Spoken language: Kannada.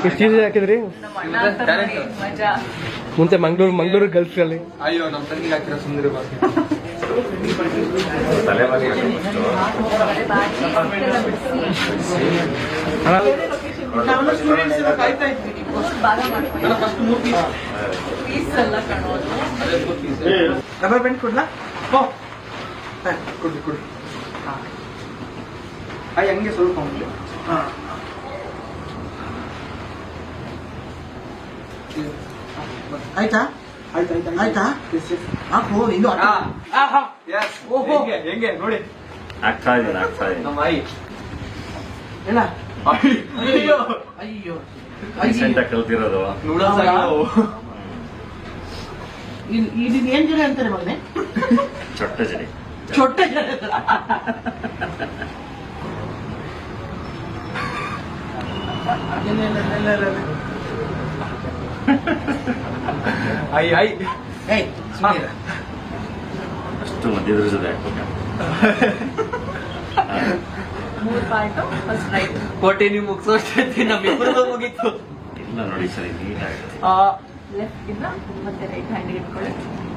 ಎಷ್ಟು ಈಸಿ ಹಾಕಿದ್ರಿ ಮುಂಚೆ ಮಂಗಳೂರು ಗಲ್ಫ್ ಅಲ್ಲಿ. ಅಯ್ಯೋ ನಮ್ಮ ತಂಗಿಗೆ ಹಾಕಿರೋ ಸುಂದರ ಬಾಕಿ ರಬ್ಬರ್ ಬ್ಯಾಂಡ್ ಕೊಡ್ಲಾ? ಕೊಡ್ರಿ ಕೊಡ್ರಿ. ಹಂಗೆ ಸ್ವಲ್ಪ ಆಯ್ತಾ? ಆಯ್ತಾ? ಹಾಕು ಇನ್ನು ಓಹೋ ಹೆಂಗೆ ನೋಡಿ ಆಗ್ತಾ ಇದೆ ನಮ್ಮ ಆಯಿ ಎಲ್ಲ ಅಯ್ಯೋ ಅಯ್ಯೋ ರೀಸೆಂಟ್ ಆಗಿ ಕಲ್ತಿರೋದು. ಇದನ್ನ ಏನ್ ಜಡೆ ಅಂತಾರೆ ಮಗನೆ? ಚೊಟ್ಟ ಜಡಿ. ಚೊಟ್ಟ ಜಡೆ. ಆಯಿ ಆಯಿ ಏಯ್ ಸುಮ್ಮನೆ ಅಷ್ಟು ಮಧ್ಯದ್ರ ಜೊತೆ ಹಾಕ್ಬೇಕು. ಕೋಟೆ ನೀವು ಮುಗಿಸೋಷ್ಟೇ ನಮ್ಮಿಬ್ಬರದು ಮುಗೀತು. ಇಲ್ಲ ನೋಡಿ ಸರಿ ನೀಟಾಗುತ್ತೆ. ಲೆಫ್ಟ್ ಇಂದ ಮತ್ತೆ ರೈಟ್ ಹ್ಯಾಂಡ್ ಇಟ್ಕೊಳ್ಳಿ.